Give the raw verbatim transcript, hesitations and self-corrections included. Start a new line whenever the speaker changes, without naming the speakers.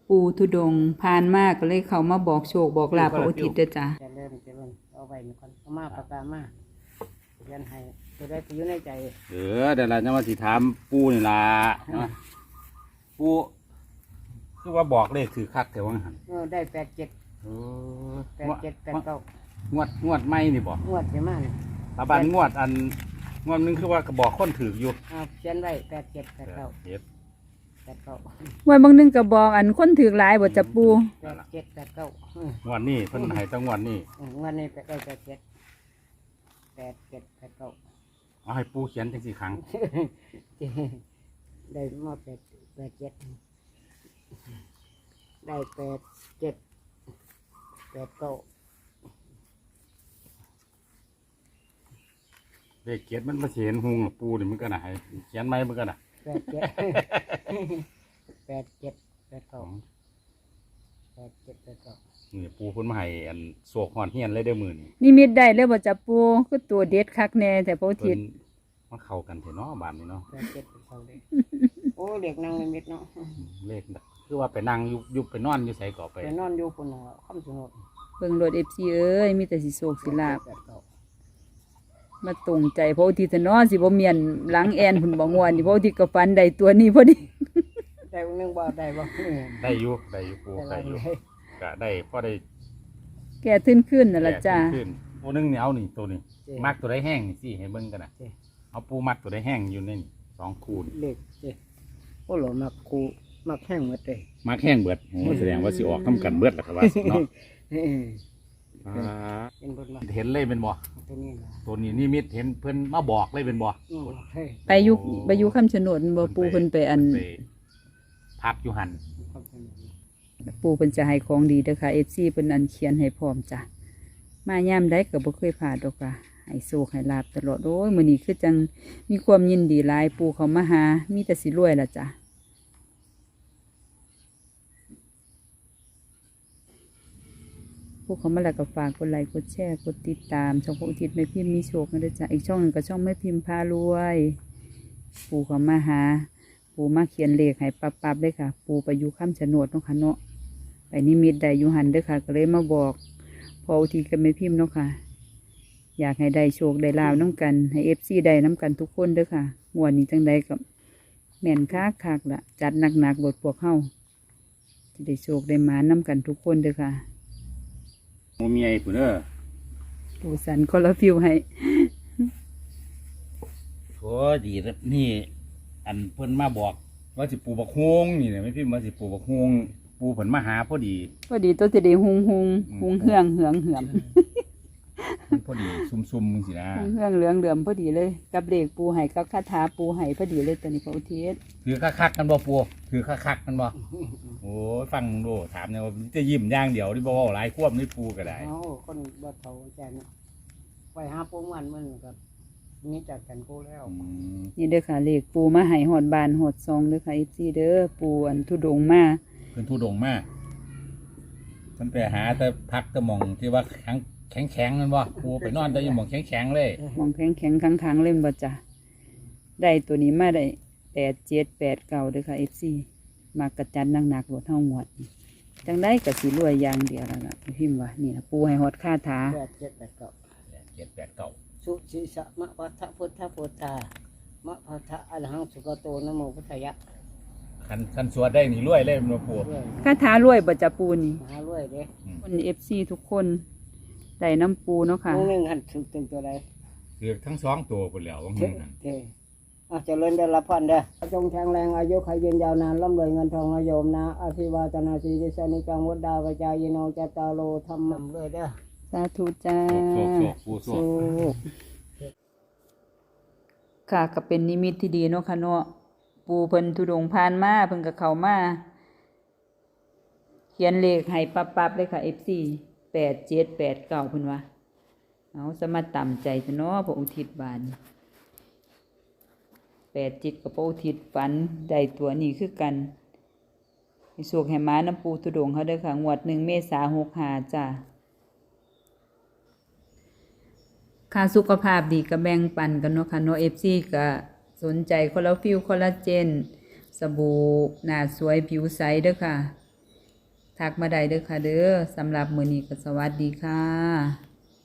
ปูทุดงผ่านมากก็เลยเขามาบอกโชคบอกลาภพระอุทิศเด้อจ้ะ
จะเริ่มจะเริ่มเอาไว้ก่อนเอามาปากกามาเรียนให้จะได้ไปอยู่ในใจ
เออเดี๋ยวเราจะมาสิถามปูนี่ล่ะปูคือว่าบอกเลขถือคักแต่ว่าหัน
เออได้แปดเจ็ด
เออ
แปดเจ็ดแปดเก้าง
วดงวดไม่นี่บอก
งวดใช่ไหม
ตาบันงวดอันงวดนึงคือว่ากระบอกคนถืออยู่
อ่าเขียนไว้แปดเจ็ดแปดเก้า
เจ็ด
แปดเก้า
ไว้บางนึงก็บอกอันคนถือหลายบ่จ้ะปู
แปดเจ็ดแปดเก้าง
วดนี้เพิ่นให้ตั้งงวดนี้
งวดนี้ไปได้แปดเจ็ดแปดเจ็ดแปดเก้า
เอาให้ปูเขียนจังสี่ครั้ง
ได้มาแปดแปดเจ็ดได้แปดเจ็ดแปดเก้า
เลขเกียรมันมาเห็นหุงหรอปูนี่มันก็น่ะให้เขียนไหมมันก็น่ะ
แปดเจ็ดแปดเจ็ดแปดเก้าแปดเจ็ดแปดเก้า
นี่ปูเพิ่นมาให้อันโศกหอนเฮียนเลยเด้อมื้อนี้
นิมิตได้เลยบ่จ้ะปูคือตัวเด็ดคักแน่แต่พระอุทิ
เพิ่
ศ
นมาเข้ากันเถอะเนาะบ้านนี้เนาะ
แปดเจ็ดแปดเก้าเลยโอ้เด็กนั่งในเม็ดเนาะ
เลขน่ะคือว่าไปนั่งอยู่อยู่ไปนอนอยู่ไสก็ไป
ไปนอนอยู่คนหนึ่งคำสนุก
เบิ่งรถ เอฟ ซี เอ้ยมีแต่สิโศกสิลาบ
แปดเก้า
มาตรงใจพระอุทิศเนาะสิบ่เมียนหลังแอนพุ่นบ่ง่วนนี่พระอุทิศก็ฝันได้ตัวนี้พอดี
ได้หนึ่งบ่ได้บ่
ได้อยู่ได้อยู่ปูได้อยู่ก็ได้พอได้
แก่ขึ้นขึ้นนั่นล่ะจ้ะ
ขึ้นตัวหนึงเนี่ยเอานี่ตัวนี้มักตัวได้แห้งนี่สิให้เบิ่งกันน่ะเอาปูมักตัวได้แห้งอยู่ในนี่สองคูณ
เล็กเจ้โอ้หล่อมักคูมักแห้งหมดเลย
มักแห้งเบิดโอ้แสดงว่าสิออกทำกันเบิดล่ะครับว่าเนาะอ่า
เป็นบนมา
เห็นเลยเป็นบ่
ตัวนี้นะ
ตัวนี้นิมิตเห็นเพิ่นมาบอกเลยเป็นบ่
อืมเฮ้ย
ไปอยู่ไปอยู่คำชะโนดบ่ปูเพิ่นไปอัน
ไปพักอยู่หัน
คำสนุก
ปูเพิ่นจะให้ของดีเด้อค่ะ เอฟ ซี เพิ่นอันเขียนให้พร้อมจ้ะมายามใดก็บ่เคยพลาดดอกค่ะให้โชคให้ลาบตลอดโอ้ยมื้อนี้คือจังมีความยินดีหลายปูเขามาหามีแต่สิรวยล่ะจ้ะผู้เขามาแล้วก็ฝากกดไลค์กดแชร์กดติดตามช่องพระอุทิศแม่พิมพ์มีโชคนะเด้อจ้ะอีกช่องหนึงก็ช่องแม่พิมพ์พารวยปูเขามาหาปูมาเขียนเลขให้ปับๆเลยค่ะ ปูไปอยู่คำชะโนดเนาะค่ะเนาะไปนิมิตได้อยู่หันเด้อค่ะ ก็เลยมาบอกพออุทิศกับแม่พิมพ์เนาะค่ะ อยากให้ได้โชคได้ลาวน้ำกันให้เอฟซีได้น้ำกันทุกคนเด้อค่ะงวดนี้จังใดกับแม่นคักคักๆละจัดหนักๆบทพวกเฮาจะได้โชคได้มาน้ำกันทุกคนเด้อค่ะ
โมเมียปุ่นเด้อ
ปูสันคอลลาฟิวให้
โอ้ดีแล้วนี่ อันเพิ่นมาบอกว่าสิปลูกบักฮวงนี่แหละไม่พิมพ์ว่าสิปลูกบักฮวงปูเพิ่นมาหาพอดี
พอดีตัวจะได้หุงหุงหุงเหืองเหืองเหือม
มันพอดีซุ่มๆมึงสินะ
หุงเหืองเหลืองเหลือมพอดีเลย กับเลขปูให้กับคาถาปูให้พอดีเลยตอนนี้พระอุทิศ
คือคักๆกันบ่ปูคือคักๆกันบ่โอ้ยฟังมึงดูถามเนี่ยว่าจะยิ้มอย่างเดียวนี่บ่เว้าหลายควบนี่ปูก็ได้
เอาคนบ่เฒ่าใจนะไปหาปูมันมันกับนี่จากกันกูแล้ว
อืม
นี่เด้อค่ะเลขปูมาให้หอดบานหอดซองเด้อค่ะเอฟซีเด้อปูอันทุดงมา
เพิ่นทุดงมากเพิ่นไปหาแต่พักแต่หมองที่ว่าแข็งแข็งแข็งนั่นบ่ปูไปนอนแต่อยู่หมองแข็งแข็งเลย
มองแข็งแข็งค้างค้างๆเล่นบ่จ้ะได้ตัวนี้มาได้แปดเจ็ดแปดเก้าเด้อค่ะเอฟซีมากระจัดหนักหนักๆรถเท่าหมดจังได้กับสีรวยอย่างเดียวแล้วล่ะพิมพ์ว่านี่นะปูให้หอดค่าถา
แปดเจ็ดแปดเก้า
เจ็ดแปดเก้า
สุชิสะมะพัทธพุทธพุทธามะพัทธะอรหังสุกโตนะโมพุทธายะ
คันคันสวดได้นี่รวยเลยมันบ่ปู
ด้วย
ค่าถารวยบ่จ้ะปูนี่
มหารวยเด้
คนเอฟซีทุกคนได้น้ำปูเนาะค่ะ
น้องหนึ่งหันถึงตึงตัวใด
คือทั้งสองตัวพุ่นแล้วว่า
เท่
งั้น
เท่อาเจริญได้รับพรเด้อจงแข็งแรงอายุขยืนยาวนานร่ำรวยเงินทองอาโยมนะอาภิวาตนาสีริสานิจังวัดดาวจายโนจตารโลธรรมนำเลยเด้อ
สาธุจ้า
โศกโศกปูโศก
กค่ะก็เป็นนิมิตที่ดีเนาะค่ะเนาะปูเพิ่นทุดงค์ผ่านมาเพิ่นก็เข้ามาเขียนเลขให้ปับๆเลยค่ะ เอฟ ซี แปดเจ็ดแปดเก้าเพิ่นว่าเอาสมาต่ำใจซะเนาะพระอุทิศบานแปดเจ็ดกับพระอุทิศฝันได้ตัวนี้คือกันให้สวกให้มาน้ำปูทุดงค์เขาเด้อค่ะงวดหนึ่งเมษาหกห้าจ้าค่าสุขภาพดีก็แบ่งปันกันเนาะค่ะเนาะ เอฟ ซี ก็สนใจคอลลาฟิลคอลลาเจนสบู่หน้าสวยผิวใสเด้อค่ะทักมาได้เด้อค่ะเด้อสำหรับมื้อนี้ก็สวัสดีค่ะ